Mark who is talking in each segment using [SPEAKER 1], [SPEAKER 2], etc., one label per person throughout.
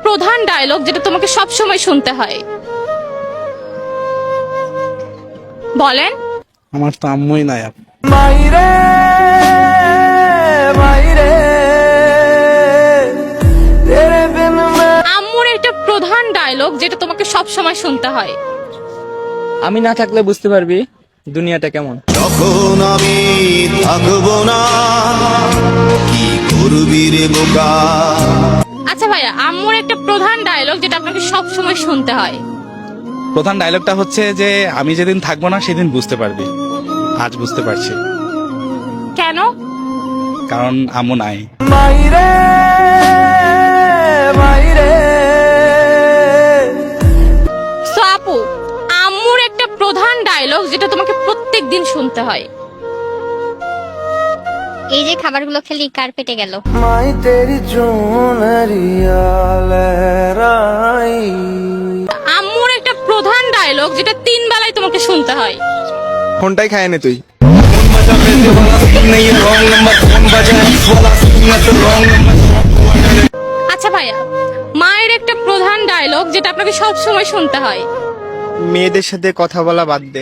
[SPEAKER 1] প্রধান ডায়লগ যেটা তোমাকে সব সময় শুনতে হয়? বলেন।
[SPEAKER 2] আমার তো আম্মুই নাই।
[SPEAKER 3] মাইরে মাইরে তেরে বিন
[SPEAKER 1] আম্মুর একটা প্রধান ডায়লগ যেটা তোমাকে সব সময় শুনতে হয়।
[SPEAKER 4] আমি না থাকলে বুঝতে পারবি দুনিয়াটা কেমন।
[SPEAKER 3] যখন আমি থাকবো না কি করবি রে বোকা।
[SPEAKER 1] আচ্ছা ভাইয়া, আম্মুর একটা প্রধান ডায়লগ যেটা আপনাকে সব সময় শুনতে হয়।
[SPEAKER 2] প্রধান ডায়লগটা হচ্ছে যে আমি যেদিন থাকবো না সেদিন বুঝতে পারবি। আজ বুঝতে পারছি,
[SPEAKER 1] কেন?
[SPEAKER 2] কারণ আম্মু নাই।
[SPEAKER 3] মাইরে মাইরে
[SPEAKER 1] সো আপু, আম্মুর একটা প্রধান ডায়লগ যেটা তোমাকে প্রত্যেকদিন শুনতে হয়।
[SPEAKER 5] এই যে খাবারগুলো খেলি কার পেটে গেল?
[SPEAKER 3] মাই তেরি চুনরিয়া লহরাই।
[SPEAKER 1] আম্মুর একটা প্রধান ডায়লগ যেটা 3 বেলায় তোমাকে শুনতে হয়।
[SPEAKER 6] ফোনটাই খায় নে তুই।
[SPEAKER 1] আচ্ছা ভাইয়া, মায়ের একটা প্রধান ডায়লগ যেটা আপনাকে সব সময় শুনতে হয়।
[SPEAKER 6] মেয়েদের সাথে কথা বলা বাদ দে।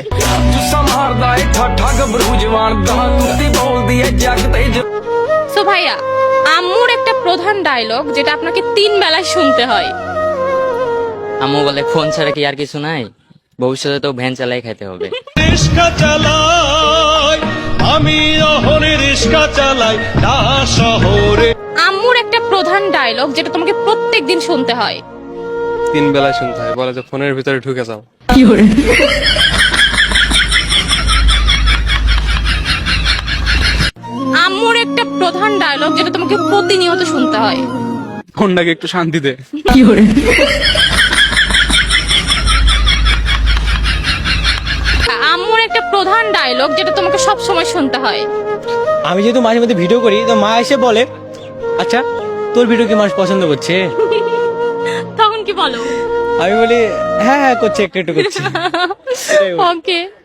[SPEAKER 1] সো ভাইয়া, আম্মুর একটা প্রধান ডায়লগ যেটা আপনাকে 3 বেলায় শুনতে হয়।
[SPEAKER 4] আম্মু বলে ফোন ছাড়া কি আর কিছু নাই, ভবিষ্যতে তো ভ্যান চালাই খাইতে হবে।
[SPEAKER 7] রিস্কা চালাই আমি অহনে রিস্কা চালাই না শহরে।
[SPEAKER 1] আম্মুর একটা প্রধান ডায়লগ যেটা তোমাকে প্রত্যেকদিন শুনতে হয়।
[SPEAKER 6] 3 বেলায় শুনতে হয়, বলে যে ফোনের ভিতরে ঢুকে যাও।
[SPEAKER 1] আম্মুর একটা প্রধান ডায়লগ যেটা তোমাকে প্রতিনিয়ত শুনতে হয়।
[SPEAKER 2] ফোনটাকে একটু শান্তি দে।
[SPEAKER 1] আম্মুর একটা প্রধান ডায়লগ যেটা তোমাকে সব সময় শুনতে হয়।
[SPEAKER 8] আমি যেহেতু মাঝে মধ্যে ভিডিও করি তো মা এসে বলে, আচ্ছা তোর ভিডিও কি মানুষ পছন্দ করছে?
[SPEAKER 1] তখন কি বলো?
[SPEAKER 8] আমি বলি হ্যাঁ হ্যাঁ করছে, একটু একটু করছে।
[SPEAKER 1] ওকে।